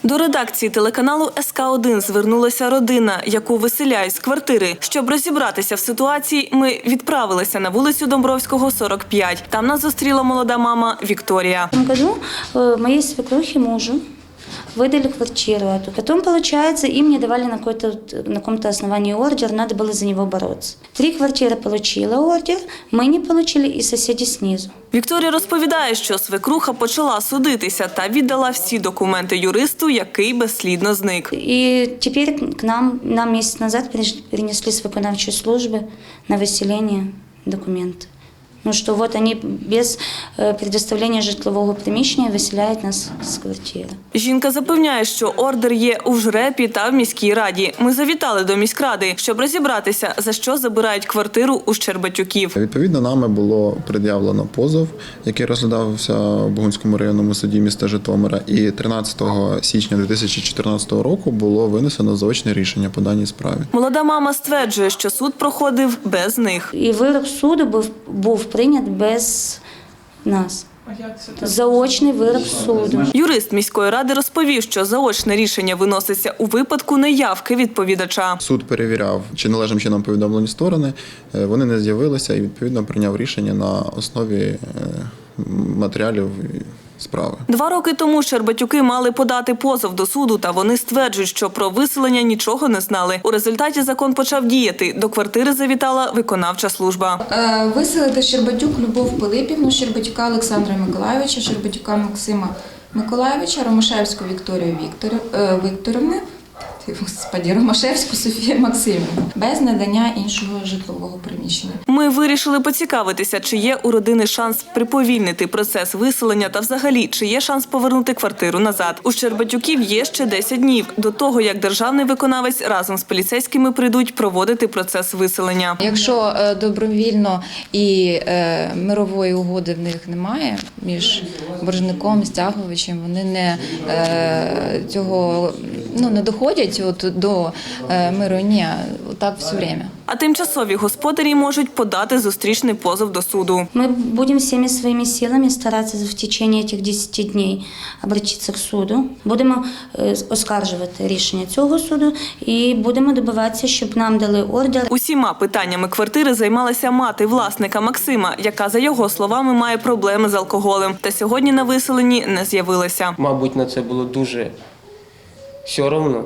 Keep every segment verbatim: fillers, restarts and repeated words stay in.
До редакції телеканалу ес ка один звернулася родина, яку виселяють з квартири. Щоб розібратися в ситуації, ми відправилися на вулицю Домбровського, сорок п'ять. Там нас зустріла молода мама Вікторія. В этом году э, моей свекрухе мужу выдали квартиру эту. Потом, получается, им не давали на, какой-то, на каком-то основании ордер, надо было за него бороться. Три квартиры получила ордер, мы не получили и соседи снизу. Вікторія розповідає, що свекруха почала судитися та віддала всі документи юристу, який безслідно зник. И теперь к нам, нам месяц назад принесли с виконавчей службы на выселение документы. Ну, что вот они без предоставления житлового приміщення виселяють нас з квартири. Жінка запевняє, що ордер є у ЖРЕПі та в міській раді. Ми завітали до міськради, щоб розібратися, за що забирають квартиру у Щербатюків. Відповідно, нами було пред'явлено позов, який розглядався в Бугунському районному суді міста Житомира. І тринадцятого січня дві тисячі чотирнадцятого року було винесено заочне рішення по даній справі. Молода мама стверджує, що суд проходив без них. І вирок суду був, був прийнят без нас. Заочний вирок суду. Юрист міської ради розповів, що заочне рішення виноситься у випадку неявки відповідача. Суд перевіряв, чи належним чином повідомлені сторони, вони не з'явилися і відповідно прийняв рішення на основі матеріалів справи. Два роки тому Щербатюки мали подати позов до суду, та вони стверджують, що про виселення нічого не знали. У результаті закон почав діяти. До квартири завітала виконавча служба. Виселити Щербатюк Любов Пилипівну, Щербатюка Олександра Миколайовича, Щербатюка Максима Миколайовича, Ромашевську Вікторію Віктор... Вікторівну, Господи, Ромашевську Софію Максимівну, без надання іншого житлового приміщення. Ми вирішили поцікавитися, чи є у родини шанс приповільнити процес виселення та взагалі, чи є шанс повернути квартиру назад. У Щербатюків є ще десять днів до того, як державний виконавець разом з поліцейськими прийдуть проводити процес виселення. Якщо добровільно і мирової угоди в них немає між боржником і стягувачем, вони не цього ну, не доходять от до миру, ні, так все время. А тимчасові господарі можуть подати зустрічний позов до суду. Ми будемо всіми своїми силами старатися в течение цих десяти днів обратитися к суду. Будемо оскаржувати рішення цього суду і будемо добиватися, щоб нам дали ордер. Усіма питаннями квартири займалася мати власника Максима, яка, за його словами, має проблеми з алкоголем. Та сьогодні на виселенні не з'явилася. Мабуть, на це було дуже все одно.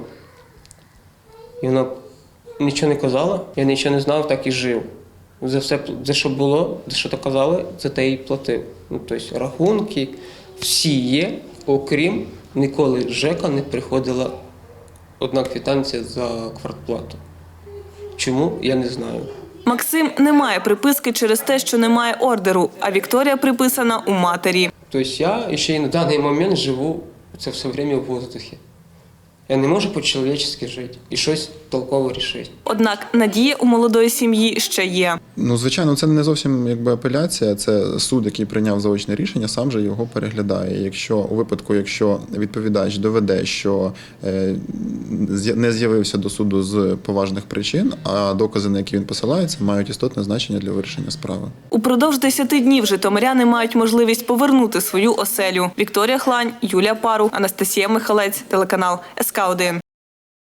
І вона нічого не казала, я нічого не знав, так і жив. За все, за що було, за що то казали, за те і платив. Ну, тобто рахунки всі є, окрім ніколи ЖЕКа не приходила одна квитанція за квартплату. Чому, я не знаю. Максим не має приписки через те, що немає ордеру, а Вікторія приписана у матері. Тобто я ще й на даний момент живу це все время в воздухі. Я не можу по-чоловічески жити і щось толково рішити. Однак надія у молодої сім'ї ще є. Ну, звичайно, це не зовсім якби апеляція, це суд, який прийняв заочне рішення, сам же його переглядає. Якщо у випадку, якщо відповідач доведе, що е, не з'явився до суду з поважних причин, а докази, на які він посилається, мають істотне значення для вирішення справи. Упродовж десяти днів житомиряни мають можливість повернути свою оселю. Вікторія Хлань, Юлія Пару, Анастасія Михалець, телеканал ес ка один.